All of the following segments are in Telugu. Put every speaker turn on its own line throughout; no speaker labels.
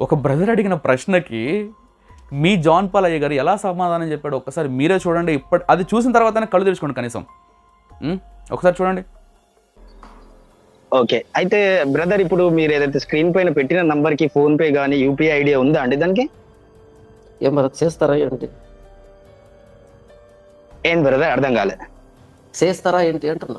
ఒక బ్రదర్ అడిగిన ప్రశ్నకి మీ జాన్ పాల్ అయ్య గారు ఎలా సమాధానం చెప్పాడు ఒక్కసారి మీరే చూడండి. అది చూసిన తర్వాతనే కళ్ళు తెరుచుకోండి కనీసం. ఒకసారి చూడండి.
ఓకే, అయితే బ్రదర్ ఇప్పుడు మీరు ఏదైతే స్క్రీన్ పైన పెట్టిన నంబర్ కి ఫోన్ పే గానీ యూపీఐ ఐడియా ఉందా అండి దానికి?
ఏం మరి చేస్తారా ఏంటి?
ఏం బ్రదర్ అర్థం కాలే.
చేస్తారా ఏంటి అంటున్నా.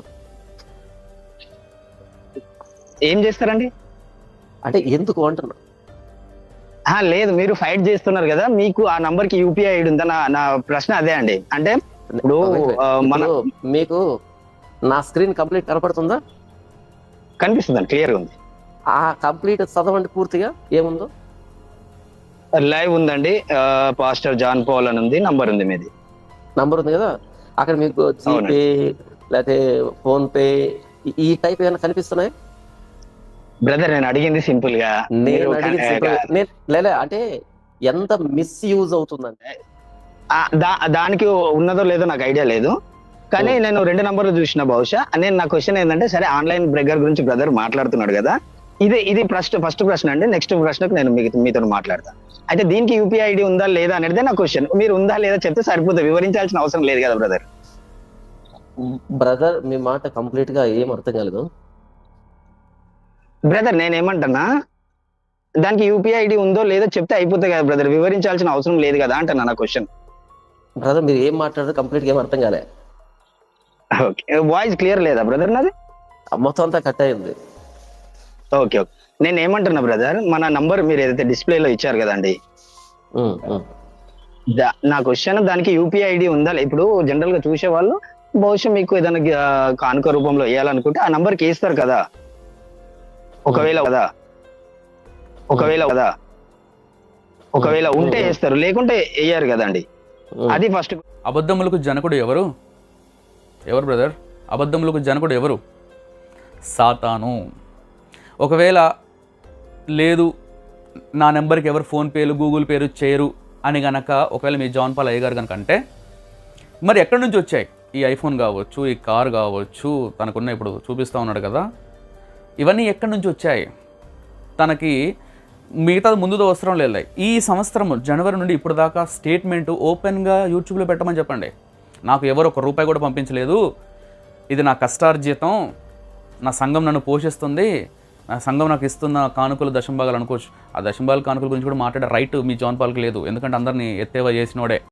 ఏం చేస్తారండి
అంటే ఎందుకు అంటున్నా.
లేదు, మీరు ఫైట్ చేస్తున్నారు కదా, మీకు ఆ నంబర్ కి యూపీఐ ఐడి ఉందా? నా ప్రశ్న అదే అండి. అంటే ఇప్పుడు
మీకు నా స్క్రీన్ కంప్లీట్ కనపడుతుందా?
కనిపిస్తుందండి, క్లియర్ గా ఉంది.
ఆ కంప్లీట్ చదవండి పూర్తిగా ఏముందో.
లైవ్ ఉందండి, పాస్టర్ జాన్ పాల్ అని ఉంది, నంబర్ ఉంది, మీది
నంబర్ ఉంది కదా. అక్కడ మీకు జీపే లేకపోతే ఫోన్ పే ఈ టైప్ ఏమైనా కనిపిస్తున్నాయి?
బ్రదర్ నేను అడిగింది సింపుల్ గా,
లేదా అంటే ఎంత మిస్యూజ్ అవుతుందంటే
దానికి ఉన్నదో లేదో నాకు ఐడియా లేదు, కానీ నేను 2 నంబర్లు చూసిన. బహుశా నా క్వశ్చన్ ఏంటంటే, సరే ఆన్లైన్ బ్రెగ్గర్ గురించి బ్రదర్ మాట్లాడుతున్నాడు కదా, ఇది ఫస్ట్ ప్రశ్న అండి. నెక్స్ట్ ప్రశ్నకు నేను మీతో మాట్లాడతాను. అయితే దీనికి యూపీఐ ఐడి ఉందా లేదా అనేది నా క్వశ్చన్. మీరు ఉందా లేదా చెప్తే సరిపోతుంది, వివరించాల్సిన అవసరం లేదు కదా బ్రదర్.
బ్రదర్ మీ మాట కంప్లీట్ గా ఏం అర్థం కాలేదు
బ్రదర్. నేనేమంటున్నా, దానికి యూపీఐ ఐడి ఉందో లేదో చెప్తే అయిపోతుంది కదా బ్రదర్, వివరించాల్సిన అవసరం లేదు కదా అంటున్నా నా క్వశ్చన్.
బ్రదర్ మీరు ఏం మాట్లాడారు కంప్లీట్ గా ఏం అర్థం కాలే.
ఓకే, వాయిస్ క్లియర్ లేదా బ్రదర్ నాది?
మొత్తం అంతా కట్ అయింది.
ఓకే, నేను ఏమంటున్నా బ్రదర్, మన నంబర్ మీరు ఏదైతే డిస్ప్లేలో ఇచ్చారు కదండి, నా క్వశ్చన్ దానికి యూపీఐ ఐడి ఉందా? ఇప్పుడు జనరల్ గా చూసే వాళ్ళు బహుశా మీకు ఏదైనా కానుక రూపంలో వేయాలనుకుంటే ఆ నంబర్ కి వేస్తారు కదా, ఒకవేళ ఉంటే వేస్తారు, లేకుంటే వేయరు కదండి. అది ఫస్ట్.
అబద్ధములకు జనకుడు ఎవరు బ్రదర్? అబద్ధములకు జనకుడు ఎవరు? సాతాను. ఒకవేళ లేదు నా నెంబర్కి ఎవరు ఫోన్పేలు గూగుల్ పేలు చేయరు అని గనక ఒకవేళ మీ జాన్ పాల్ అయ్య గారు కనుక అంటే, మరి ఎక్కడి నుంచి వచ్చాయి ఈ ఐఫోన్ కావచ్చు, ఈ కార్ కావచ్చు, తనకున్న ఇప్పుడు చూపిస్తూ ఉన్నాడు కదా, ఇవన్నీ ఎక్కడి నుంచి వచ్చాయి? తనకి మిగతాది ముందుతో అవసరం లేదు. ఈ సంవత్సరం జనవరి నుండి ఇప్పుడు దాకా స్టేట్మెంట్ ఓపెన్గా యూట్యూబ్లో పెట్టమని చెప్పండి. నాకు ఎవరు ₹1 కూడా పంపించలేదు, ఇది నా కష్టార్జితం, నా సంఘం నన్ను పోషిస్తుంది, నా సంఘం నాకు ఇస్తున్న కానుకలు దశంభాగాలు అనుకోవచ్చు. ఆ దశంభాగాల కానుకల గురించి కూడా మాట్లాడే రైట్ మీ జాన్ పాల్కి లేదు, ఎందుకంటే అందరినీ ఎత్తేవా చేసినోడే.